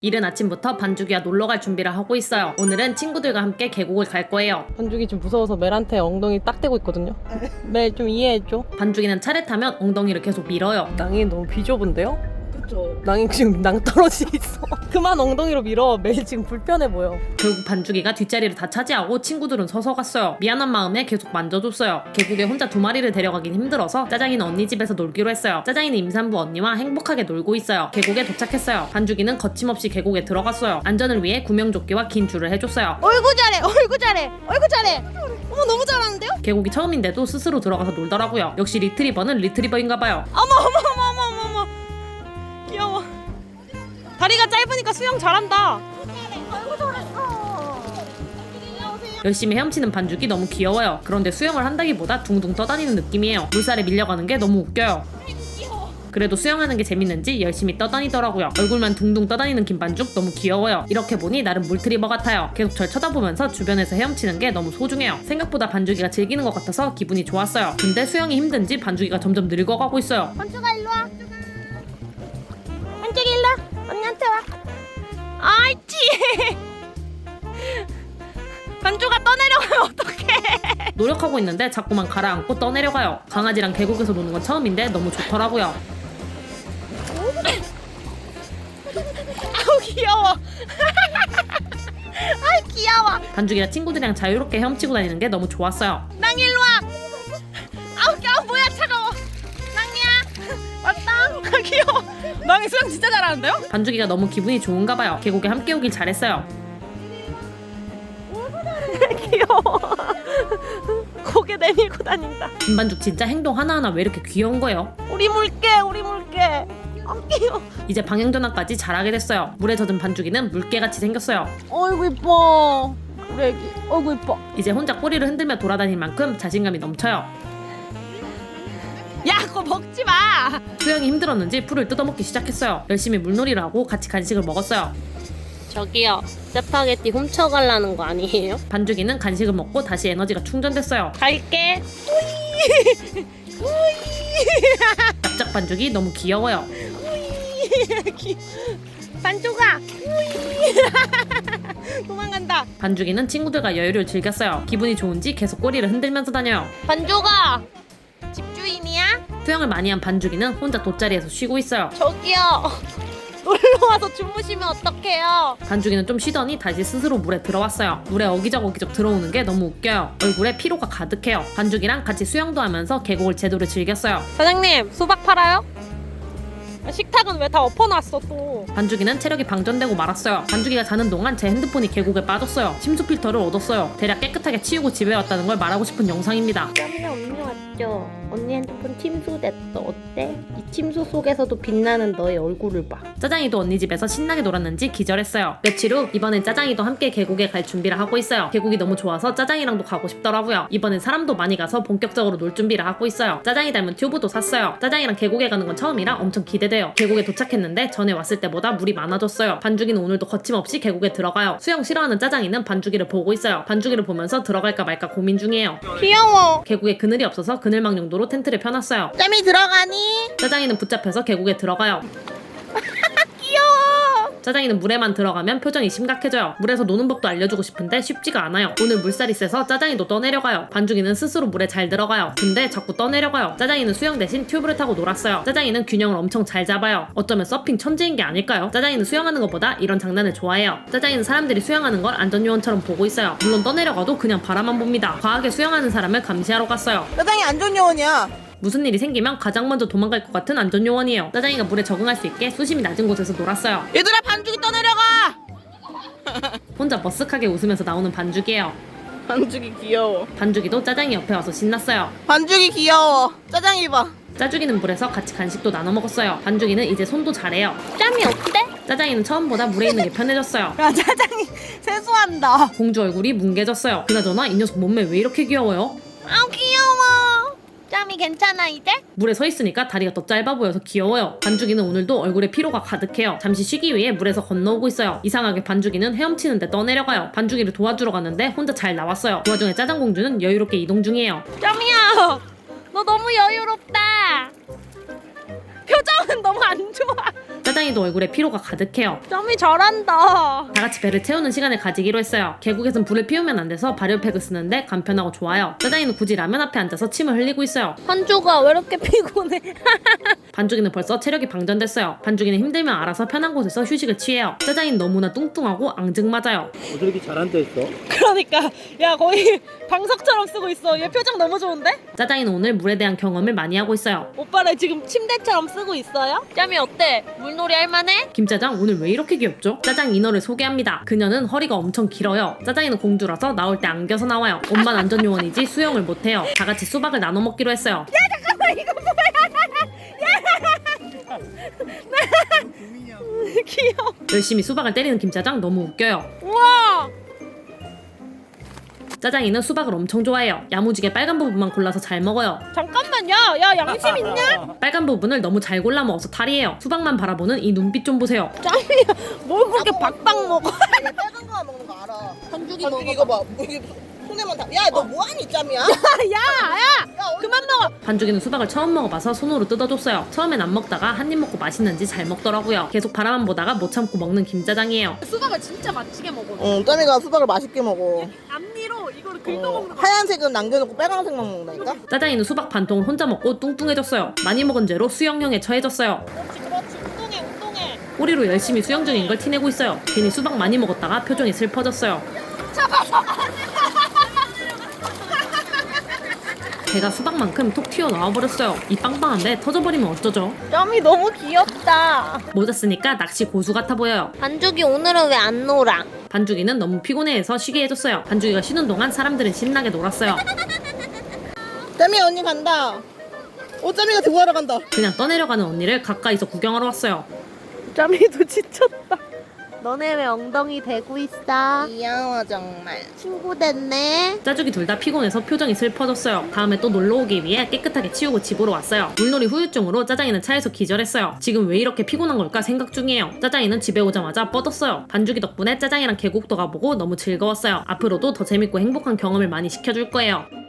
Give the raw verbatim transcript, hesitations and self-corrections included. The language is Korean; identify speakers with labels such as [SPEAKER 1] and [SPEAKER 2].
[SPEAKER 1] 이른 아침부터 반죽이와 놀러갈 준비를 하고 있어요. 오늘은 친구들과 함께 계곡을 갈 거예요.
[SPEAKER 2] 반죽이 좀 무서워서 멜한테 엉덩이 딱 대고 있거든요. 멜 좀 이해해줘.
[SPEAKER 1] 반죽이는 차를 타면 엉덩이를 계속 밀어요.
[SPEAKER 2] 낭이 너무 비좁은데요?
[SPEAKER 3] 그쵸.
[SPEAKER 2] 낭이 지금 낭 떨어지 있어. 그만 엉덩이로 밀어. 멜 지금 불편해 보여.
[SPEAKER 1] 결국 반죽이가 뒷자리를 다 차지하고 친구들은 서서 갔어요. 미안한 마음에 계속 만져줬어요. 계곡에 혼자 두 마리를 데려가긴 힘들어서 짜장이는 언니 집에서 놀기로 했어요. 짜장이는 임산부 언니와 행복하게 놀고 있어요. 계곡에 도착했어요. 반죽이는 거침없이 계곡에 들어갔어요. 안전을 위해 구명조끼와 긴 줄을 해줬어요.
[SPEAKER 3] 어이구 잘해, 어이구 잘해, 어이구 잘해. 어머 너무 잘하는데요?
[SPEAKER 1] 계곡이 처음인데도 스스로 들어가서 놀더라고요. 역시 리트리버는 리트리버인가봐요.
[SPEAKER 3] 어머 어머 어머 어머 어머 어머. 귀여워. 다리가 짧으니까 수영 잘한다. 어이구 잘했어.
[SPEAKER 1] 열심히 헤엄치는 반죽이 너무 귀여워요. 그런데 수영을 한다기보다 둥둥 떠다니는 느낌이에요. 물살에 밀려가는 게 너무 웃겨요. 그래도 수영하는 게 재밌는지 열심히 떠다니더라고요. 얼굴만 둥둥 떠다니는 김반죽 너무 귀여워요. 이렇게 보니 나름 물트리버 같아요. 계속 절 쳐다보면서 주변에서 헤엄치는 게 너무 소중해요. 생각보다 반죽이가 즐기는 것 같아서 기분이 좋았어요. 근데 수영이 힘든지 반죽이가 점점 늙어가고 있어요.
[SPEAKER 3] 반죽아 일로 와. 반죽이 일로 와. 언니한테 와. 아이치. 반죽아 떠내려가면 어떡해.
[SPEAKER 1] 노력하고 있는데 자꾸만 가라앉고 떠내려가요. 강아지랑 계곡에서 노는 건 처음인데 너무 좋더라고요.
[SPEAKER 3] 아우 귀여워. 아이 귀여워.
[SPEAKER 1] 반죽이랑 친구들이랑 자유롭게 헤엄치고 다니는 게 너무 좋았어요.
[SPEAKER 3] 낭 일로 와. 아우 아우 뭐야 차가워. 낭이야. 왔다. 아, 귀여워. 낭이 수영 진짜 잘하는데요?
[SPEAKER 1] 반죽이가 너무 기분이 좋은가 봐요. 계곡에 함께 오길 잘했어요.
[SPEAKER 3] 귀여워. 고개 내밀고 다닌다.
[SPEAKER 1] 김반죽 진짜 행동 하나하나 왜 이렇게 귀여운 거예요?
[SPEAKER 3] 우리 물개 우리 물개. 아 귀여워.
[SPEAKER 1] 이제 방향전환까지 잘하게 됐어요. 물에 젖은 반죽이는 물개같이 생겼어요.
[SPEAKER 3] 어이구 이뻐. 우리 애기. 어이구 이뻐.
[SPEAKER 1] 이제 혼자 꼬리를 흔들며 돌아다닐 만큼 자신감이 넘쳐요.
[SPEAKER 3] 야 그거 먹지 마.
[SPEAKER 1] 수영이 힘들었는지 풀을 뜯어먹기 시작했어요. 열심히 물놀이를 하고 같이 간식을 먹었어요.
[SPEAKER 4] 저기요, 짜파게티 훔쳐가려는 거 아니에요?
[SPEAKER 1] 반죽이는 간식을 먹고 다시 에너지가 충전됐어요.
[SPEAKER 4] 갈게.
[SPEAKER 1] 납작 반죽이 너무 귀여워요.
[SPEAKER 3] 반죽아. 도망간다.
[SPEAKER 1] 반죽이는 친구들과 여유를 즐겼어요. 기분이 좋은지 계속 꼬리를 흔들면서 다녀요.
[SPEAKER 4] 반죽아,
[SPEAKER 3] 집주인이야?
[SPEAKER 1] 수영을 많이 한 반죽이는 혼자 돗자리에서 쉬고 있어요.
[SPEAKER 4] 저기요.
[SPEAKER 3] 놀러와서 주무시면 어떡해요?
[SPEAKER 1] 반죽이는 좀 쉬더니 다시 스스로 물에 들어왔어요. 물에 어기적 어기적 들어오는 게 너무 웃겨요. 얼굴에 피로가 가득해요. 반죽이랑 같이 수영도 하면서 계곡을 제대로 즐겼어요.
[SPEAKER 3] 사장님 수박 팔아요? 식탁은 왜 다 엎어놨어 또?
[SPEAKER 1] 반죽이는 체력이 방전되고 말았어요. 반죽이가 자는 동안 제 핸드폰이 계곡에 빠졌어요. 침수 필터를 얻었어요. 대략 깨끗하게 치우고 집에 왔다는 걸 말하고 싶은 영상입니다.
[SPEAKER 4] 짬이 언니 왔죠? 언니 핸드폰 침수됐어. 어때? 이 침수 속에서도 빛나는 너의 얼굴을 봐.
[SPEAKER 1] 짜장이도 언니 집에서 신나게 놀았는지 기절했어요. 며칠 후 이번엔 짜장이도 함께 계곡에 갈 준비를 하고 있어요. 계곡이 너무 좋아서 짜장이랑도 가고 싶더라고요. 이번엔 사람도 많이 가서 본격적으로 놀 준비를 하고 있어요. 짜장이 닮은 튜브도 샀어요. 짜장이랑 계곡에 가는 건 처음이라 엄청 기대돼요. 계곡에 도착했는데 전에 왔을 때보다 물이 많아졌어요. 반죽이는 오늘도 거침없이 계곡에 들어가요. 수영 싫어하는 짜장이는 반죽이를 보고 있어요. 반죽이를 보면서 들어갈까 말까 고민 중이에요.
[SPEAKER 3] 귀여워.
[SPEAKER 1] 계곡에 그늘이 없어서 그늘막 용도로 텐트를 펴놨어요.
[SPEAKER 3] 짬이 들어가니?
[SPEAKER 1] 짜장이는 붙잡혀서 계곡에 들어가요.
[SPEAKER 3] 귀여워.
[SPEAKER 1] 짜장이는 물에만 들어가면 표정이 심각해져요. 물에서 노는 법도 알려주고 싶은데 쉽지가 않아요. 오늘 물살이 세서 짜장이도 떠내려가요. 반죽이는 스스로 물에 잘 들어가요. 근데 자꾸 떠내려가요. 짜장이는 수영 대신 튜브를 타고 놀았어요. 짜장이는 균형을 엄청 잘 잡아요. 어쩌면 서핑 천재인 게 아닐까요? 짜장이는 수영하는 것보다 이런 장난을 좋아해요. 짜장이는 사람들이 수영하는 걸 안전요원처럼 보고 있어요. 물론 떠내려가도 그냥 바라만 봅니다. 과하게 수영하는 사람을 감시하러 갔어요.
[SPEAKER 3] 짜장이 안전요원이야.
[SPEAKER 1] 무슨 일이 생기면 가장 먼저 도망갈 것 같은 안전요원이에요. 짜장이가 물에 적응할 수 있게 수심이 낮은 곳에서 놀았어요.
[SPEAKER 3] 얘들아 반죽이 떠내려가.
[SPEAKER 1] 혼자 머쓱하게 웃으면서 나오는 반죽이에요.
[SPEAKER 3] 반죽이 귀여워.
[SPEAKER 1] 반죽이도 짜장이 옆에 와서 신났어요.
[SPEAKER 3] 반죽이 귀여워. 짜장이 봐.
[SPEAKER 1] 짜죽이는 물에서 같이 간식도 나눠 먹었어요. 반죽이는 이제 손도 잘해요.
[SPEAKER 4] 짬이 어때?
[SPEAKER 1] 짜장이는 처음보다 물에 있는 게 편해졌어요.
[SPEAKER 3] 야 짜장이 세수한다.
[SPEAKER 1] 공주 얼굴이 뭉개졌어요. 그나저나 이 녀석 몸매 왜 이렇게 귀여워요?
[SPEAKER 3] 아우 귀여워. 짬이 괜찮아 이제?
[SPEAKER 1] 물에 서 있으니까 다리가 더 짧아 보여서 귀여워요. 반죽이는 오늘도 얼굴에 피로가 가득해요. 잠시 쉬기 위해 물에서 건너오고 있어요. 이상하게 반죽이는 헤엄치는데 떠내려가요. 반죽이를 도와주러 갔는데 혼자 잘 나왔어요. 그 와중에 짜장공주는 여유롭게 이동 중이에요.
[SPEAKER 3] 짬이야. 너 너무 여유롭다. 표정은 너무 안 좋아.
[SPEAKER 1] 짜장이도 얼굴에 피로가 가득해요.
[SPEAKER 2] 짬이 잘한다.
[SPEAKER 1] 다 같이 배를 채우는 시간을 가지기로 했어요. 계곡에선 불을 피우면 안 돼서 발효팩을 쓰는데 간편하고 좋아요. 짜장이는 굳이 라면 앞에 앉아서 침을 흘리고 있어요.
[SPEAKER 2] 한조가 왜 이렇게 피곤해?
[SPEAKER 1] 반죽이는 벌써 체력이 방전됐어요. 반죽이는 힘들면 알아서 편한 곳에서 휴식을 취해요. 짜장이는 너무나 뚱뚱하고 앙증맞아요.
[SPEAKER 5] 어, 저렇게 잘한다 했어?
[SPEAKER 2] 그러니까 야 거의 방석처럼 쓰고 있어. 얘 표정 너무 좋은데?
[SPEAKER 1] 짜장이는 오늘 물에 대한 경험을 많이 하고 있어요.
[SPEAKER 2] 오빠를 지금 침대처럼 쓰고 있어요? 짬이 어때? 물놀이 할만해?
[SPEAKER 1] 김짜장 오늘 왜 이렇게 귀엽죠? 짜장 인어를 소개합니다. 그녀는 허리가 엄청 길어요. 짜장이는 공주라서 나올 때 안겨서 나와요. 옷만 안전요원이지 수영을 못해요. 다 같이 수박을 나눠 먹기로 했어요.
[SPEAKER 2] 귀여워.
[SPEAKER 1] 열심히 수박을 때리는 김짜장 너무 웃겨요.
[SPEAKER 2] 우와.
[SPEAKER 1] 짜장이는 수박을 엄청 좋아해요. 야무지게 빨간 부분만 골라서 잘 먹어요.
[SPEAKER 2] 잠깐만 야, 야 양심 있냐?
[SPEAKER 1] 빨간 부분을 너무 잘 골라 먹어서 탈이에요. 수박만 바라보는 이 눈빛 좀 보세요.
[SPEAKER 2] 짬이야 뭘 그렇게 박박 먹어?
[SPEAKER 3] 얘 빨간 거만 먹는 거 알아.
[SPEAKER 2] 한죽이
[SPEAKER 3] 반죽 이거 봐. 이게 손에만 다. 야, 너 뭐하니 짬이야?
[SPEAKER 2] 야야 그만 먹어.
[SPEAKER 1] 반죽이는 수박을 처음 먹어봐서 손으로 뜯어줬어요. 처음엔 안 먹다가 한 입 먹고 맛있는지 잘 먹더라고요. 계속 바라만 보다가 못 참고 먹는 김짜장이에요.
[SPEAKER 2] 수박을 진짜 맛지게 먹어.
[SPEAKER 3] 응, 짬이가 수박을 맛있게 먹어.
[SPEAKER 2] 앞니로 이거를
[SPEAKER 3] 어, 하얀색은 남겨놓고 빨간색만 먹는다니까?
[SPEAKER 1] 짜장이는 수박 반 통을 혼자 먹고 뚱뚱해졌어요. 많이 먹은 죄로 수영형에 처해졌어요.
[SPEAKER 2] 그렇지 그렇지 운동해 운동해.
[SPEAKER 1] 꼬리로 열심히 수영 중인 걸 티내고 있어요. 괜히 수박 많이 먹었다가 표정이 슬퍼졌어요. 배가 수박만큼 톡 튀어나와버렸어요. 이 빵빵한데 터져버리면 어쩌죠?
[SPEAKER 2] 짬이 너무 귀엽다.
[SPEAKER 1] 모자 쓰니까 낚시 고수 같아 보여요.
[SPEAKER 4] 반죽이 오늘은 왜 안 놀아?
[SPEAKER 1] 반죽이는 너무 피곤해해서 쉬게 해줬어요. 반죽이가 쉬는 동안 사람들은 신나게 놀았어요.
[SPEAKER 3] 짬이 언니 간다. 오, 짬이가 들고 가러 간다.
[SPEAKER 1] 그냥 떠내려가는 언니를 가까이서 구경하러 왔어요.
[SPEAKER 2] 짬이도 지쳤다.
[SPEAKER 4] 너네 왜 엉덩이 대고 있어?
[SPEAKER 3] 귀여워 정말.
[SPEAKER 4] 친구 됐네.
[SPEAKER 1] 짜죽이 둘 다 피곤해서 표정이 슬퍼졌어요. 다음에 또 놀러 오기 위해 깨끗하게 치우고 집으로 왔어요. 물놀이 후유증으로 짜장이는 차에서 기절했어요. 지금 왜 이렇게 피곤한 걸까 생각 중이에요. 짜장이는 집에 오자마자 뻗었어요. 반죽이 덕분에 짜장이랑 계곡도 가보고 너무 즐거웠어요. 앞으로도 더 재밌고 행복한 경험을 많이 시켜줄 거예요.